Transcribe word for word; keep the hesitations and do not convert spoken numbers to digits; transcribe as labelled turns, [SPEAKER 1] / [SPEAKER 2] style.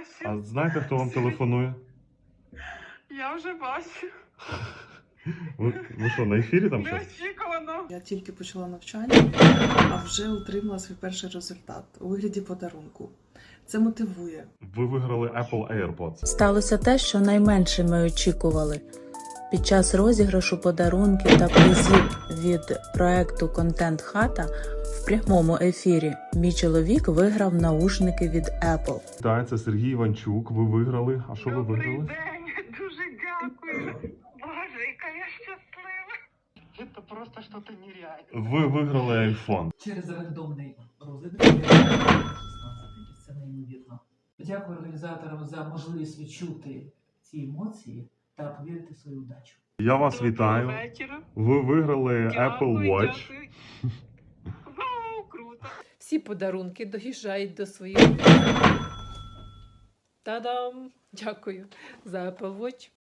[SPEAKER 1] краще.
[SPEAKER 2] А знаєте, хто вам телефонує?
[SPEAKER 1] Я вже бачу.
[SPEAKER 2] Ви, ви що, на ефірі там щось?
[SPEAKER 1] Неочікувано.
[SPEAKER 3] Я тільки почала навчання, а вже отримала свій перший результат у вигляді подарунку. Це мотивує.
[SPEAKER 2] Ви виграли Apple AirPods.
[SPEAKER 4] Сталося те, що найменше ми очікували. Під час розіграшу подарунків та призів від проекту «Контент Хата» в прямому ефірі мій чоловік виграв наушники від Apple.
[SPEAKER 2] Так, це Сергій Іванчук. Ви виграли. А що ви
[SPEAKER 1] Добрий
[SPEAKER 2] виграли?
[SPEAKER 1] день. Дуже дякую. Боже, яка я щаслива. Це просто щось нереальне.
[SPEAKER 2] Ви виграли iPhone.
[SPEAKER 5] Через рандомний розіграш шістнадцять, це неймовірно. Дякую організаторам за можливість відчути ці емоції та повірити в свою удачу.
[SPEAKER 2] Я вас
[SPEAKER 1] Доброго
[SPEAKER 2] вітаю.
[SPEAKER 1] вечора.
[SPEAKER 2] Ви виграли
[SPEAKER 1] Дякую,
[SPEAKER 2] Apple Watch.
[SPEAKER 1] дякую. Вау, круто.
[SPEAKER 6] Всі подарунки доїжджають до своїх. Та-дам! Дякую за Apple Watch.